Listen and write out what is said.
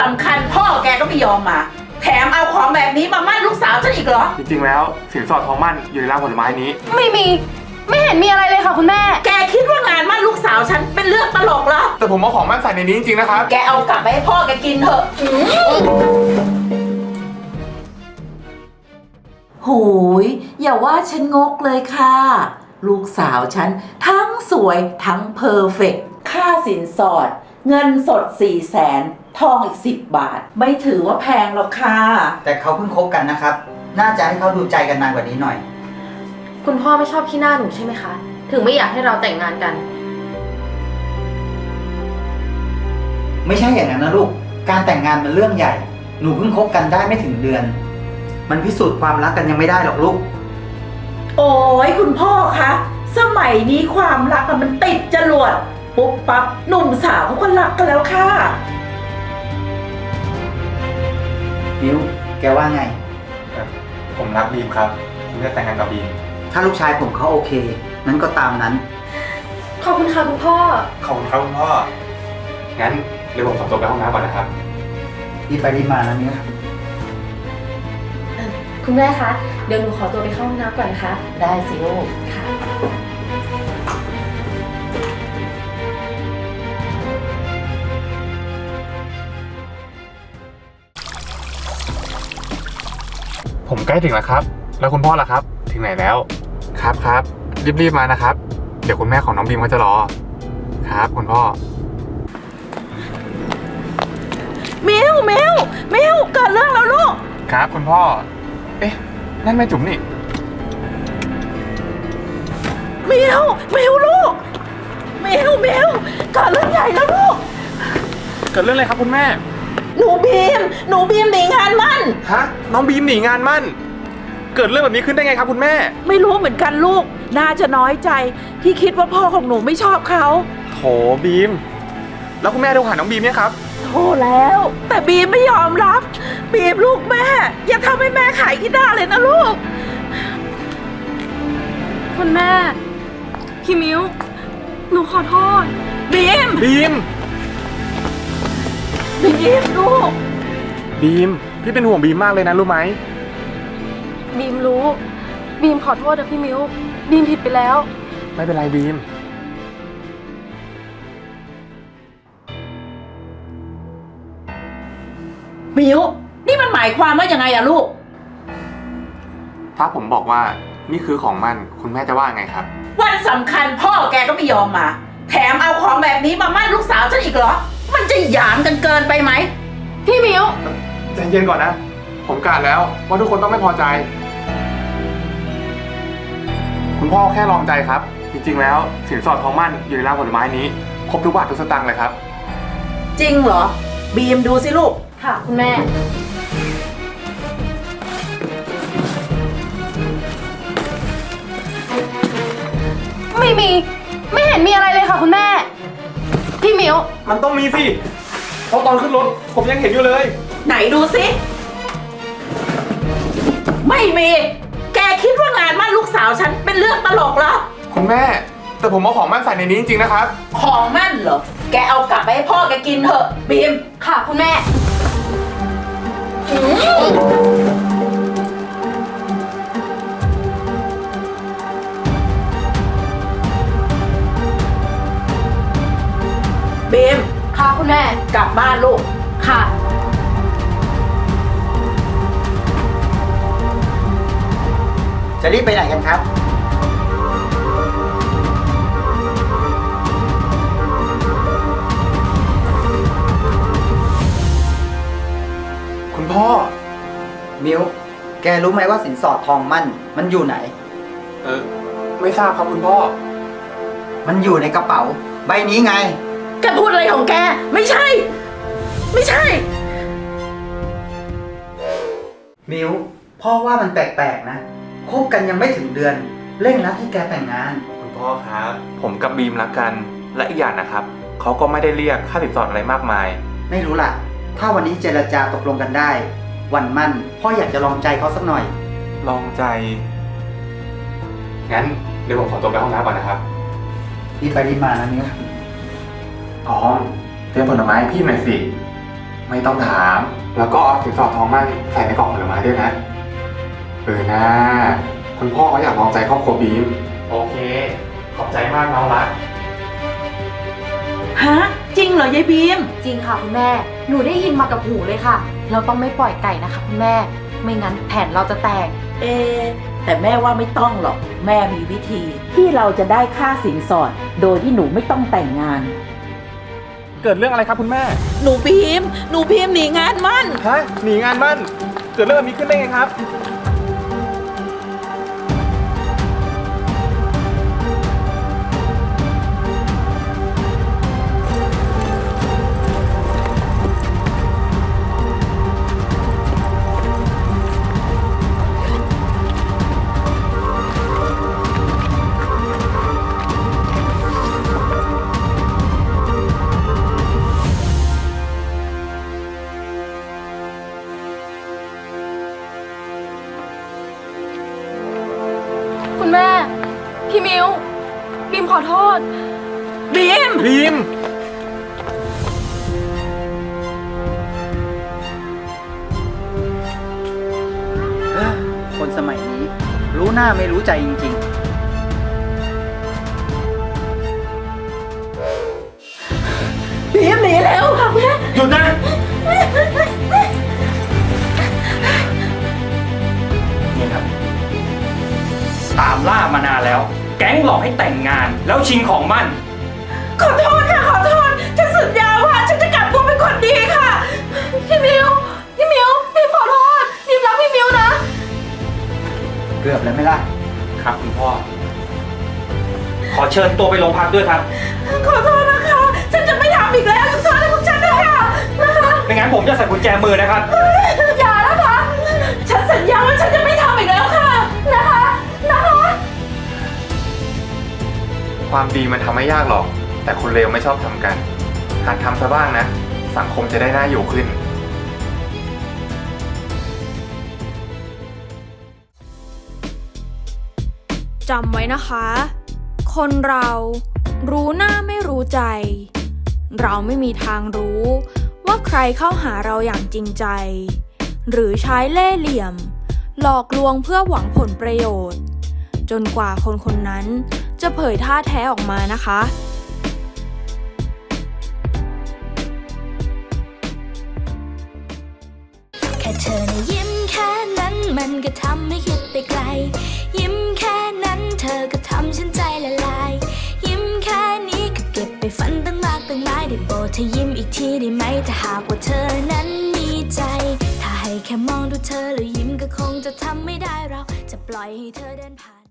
สำคัญพ่อแกก็ไม่ยอมมาแถมเอาของแบบนี้มามั่นลูกสาวฉันอีกเหรอจริงๆแล้วสินสอดทองมั่นอยู่ในร้านผลไม้นี้ไม่มีไม่เห็นมีอะไรเลยค่ะคุณแม่แกคิดว่างานมั่นลูกสาวฉันเป็นเรื่องตลกเหรอแต่ผมเอาของมั่นใส่ในนี้จริงๆนะครับแกเอากลับไปให้พ่อแกกินเถอะโหยอย่าว่าฉันงกเลยค่ะลูกสาวฉันทั้งสวยทั้งเพอร์เฟกต์ค่าสินสอดเงินสด400,000ทองอีก10 บาทไม่ถือว่าแพงหรอกค่ะแต่เขาเพิ่งคบกันนะครับน่าจะให้เขาดูใจกันนานกว่านี้หน่อยคุณพ่อไม่ชอบขี้หน้าหนูใช่ไหมคะถึงไม่อยากให้เราแต่งงานกันไม่ใช่อย่างนั้นนะลูกการแต่งงานมันเรื่องใหญ่หนูเพิ่งคบกันได้ไม่ถึงเดือนมันพิสูจน์ความรักกันยังไม่ได้หรอกลูกโอ้ยคุณพ่อคะสมัยนี้ความรักมันติดจรวดปุ๊บปั๊บหนุ่มสาวเขาก็รักกันแล้วค่ะมิวแกว่าไงผมรักบีมครับผมจะแต่งงานกับบีมถ้าลูกชายผมเขาโอเคนั้นก็ตามนั้นขอบคุณค่ะคุณพ่อขอบคุณครับคุณพ่องั้นเดี๋ยวผมขอตัวไปห้องน้ำก่อนนะครับรีบไปรีบมานะมิวคุณแม่คะเดี๋ยวหนูขอตัวไปเข้าห้องน้ำก่อนนะคะได้สิลูกค่ะผมใกล้ถึงแล้วครับแล้วคุณพ่อล่ะครับถึงไหนแล้วครับรีบๆมานะครับเดี๋ยวคุณแม่ของน้องบีมเขาจะรอครับคุณพ่อมิวเกิดเรื่องแล้วลูกครับคุณพ่อเอ๊ะนั่นแม่จุ๋มนี่มิวลูกมิวเกิดเรื่องใหญ่แล้วลูกเกิดเรื่องอะไรครับคุณแม่หนูบีมหนีงานมั่นฮะน้องบีมหนีงานมั่นเกิดเรื่องแบบนี้ขึ้นได้ไงครับคุณแม่ไม่รู้เหมือนกันลูกน่าจะน้อยใจที่คิดว่าพ่อของหนูไม่ชอบเขาโถบีมแล้วคุณแม่โทรหาน้องบีมเนี่ยครับโทรแล้วแต่บีมไม่ยอมรับบีมลูกแม่อย่าทำให้แม่ขายขี้หน้าเลยนะลูกคุณแม่พี่มิ้วหนูขอโทษบีมลูกบีมพี่เป็นห่วงบีมมากเลยนะรู้ไหมบีมรู้บีมขอโทษนะพี่มิ้วบีมผิดไปแล้วไม่เป็นไรบีมมิวนี่มันหมายความว่ายังไงอะลูกถ้าผมบอกว่านี่คือของมันคุณแม่จะว่าไงครับวันสำคัญพ่อแกก็ไม่ยอมมาแถมเอาของแบบนี้มามั่นลูกสาวฉันอีกเหรอมันจะหยามกันเกินไปไหมพี่มิ้วใจเย็นก่อนนะผมกะแล้วว่าทุกคนต้องไม่พอใจคุณพ่อแค่ลองใจครับจริงๆแล้วสินสอดทองมั่นอยู่ในร้านผลไม้นี้ครบทุกบาททุกสตางค์เลยครับจริงเหรอบีมดูสิลูกค่ะคุณแม่ไม่เห็นมีอะไรเลยค่ะคุณแม่พี่มิ้วมันต้องมีสิเพราะตอนขึ้นรถผมยังเห็นอยู่เลยไหนดูสิไม่มีแกคิดว่างานมั่นลูกสาวฉันเป็นเรื่องตลกเหรอคุณแม่แต่ผมเอาของมั่นใส่ในนี้จริงๆนะครับของมั่นเหรอแกเอากลับไปให้พ่อแกกินเถอะบีมค่ะคุณแม่บีมค่ะคุณแม่กลับบ้านลูกค่ะจะรีบไปไหนกันครับคุณพ่อมิวแกรู้ไหมว่าสินสอดทองมั่นมันอยู่ไหนไม่ทราบครับคุณพ่อมันอยู่ในกระเป๋าใบนี้ไงแกพูดอะไรของแกไม่ใช่มิวพ่อว่ามันแปลกๆนะคบกันยังไม่ถึงเดือนเร่งรัดให้แกแต่งงานคุณพ่อครับผมกับบีมรักกันและอีกอย่างนะครับเขาก็ไม่ได้เรียกค่าสินสอดอะไรมากมายไม่รู้ล่ะถ้าวันนี้เจรจาตกลงกันได้วันมั่นพ่ออยากจะลองใจเขาสักหน่อยลองใจงั้นเดี๋ยวผมขอตัวไปห้องน้ำก่อนนะครับรีบไปรีบมานะมิวอ๋อเตรียมผลไม้ให้พี่หน่อยสิไม่ต้องถาม แล้วก็เอาสินสอดทองมั่นใส่ในกล่องผลไม้ด้วยนะนะคุณพ่อเขาอยากลองใจครอบครัวบีมโอเคขอบใจมากน้องรักฮะ จริงเหรอยายบีมจริงค่ะคุณแม่ หนูได้ยินมากับหูเลยค่ะ เราต้องไม่ปล่อยไก่นะคะคุณแม่ ไม่งั้นแผนเราจะแตกเอะแต่แม่ว่าไม่ต้องหรอก แม่มีวิธี ที่เราจะได้ค่าสินสอด โดยที่หนูไม่ต้องแต่งงานเกิดเรื่องอะไรครับคุณแม่หนูบีมหนีงานมั่นฮะหนีงานมั่นเกิดเรื่องแบบนี้ขึ้นได้ไงครับคุณแม่ พี่มิวบีมขอโทษบีมบีมคนสมัยนี้ รู้หน้าไม่รู้ใจจริงบีมหนีแล้วค่ะแม่หยุดนะนี่ครับ ตามล่ามานานแล้ว แก๊งหลอกให้แต่งงานแล้วชิงของมั่นขอโทษค่ะ ขอโทษ ฉันสัญญาว่าฉันจะกลับตัวเป็นคนดีค่ะพี่มิวบีมขอโทษบีมรักพี่มิวนะๆ เกือบแล้วไหม่ล่ะครับคุณพ่อ ขอเชิญตัวไปโรงพักด้วยครับขอโทษนะคะ ฉันจะไม่ทำอีกแล้วขอโทษนะพวกฉันนะคะนะคะไม่งั้นผมจะใส่กุญแจมือนะครับอย่านะคะ ฉันสัญญาว่าฉันจะไม่ทำอีกแล้วค่ะ นะคะความดีมันทำไม่ยากหรอก แต่คนเลวไม่ชอบทำกันหัดทำซะบ้างนะ สังคมจะได้น่าอยู่ขึ้นจำไว้นะคะ คนเรารู้หน้าไม่รู้ใจ เราไม่มีทางรู้ว่าใครเข้าหาเราอย่างจริงใจ หรือใช้เล่ห์เหลี่ยม หลอกลวงเพื่อหวังผลประโยชน์ จนกว่าคนคนนั้นจะเผยท่าแท้ออกมานะคะแค่เธอนะยิ้มแค่นั้นมันก็ทำให้คิดไปไกล ยิ้มแค่นั้นเธอก็ทำฉันใจละลาย ยิ้มแค่นี้ก็เก็บไปฝันตั้งมากตั้งหลายได้โปรดเธอยิ้มอีกทีได้ไหมถ้าหากว่าเธอนั้นมีใจ ถ้าให้แค่มองดูเธอแล้วยิ้มก็คงจะทำไม่ได้เราจะปล่อยให้เธอเดินผ่าน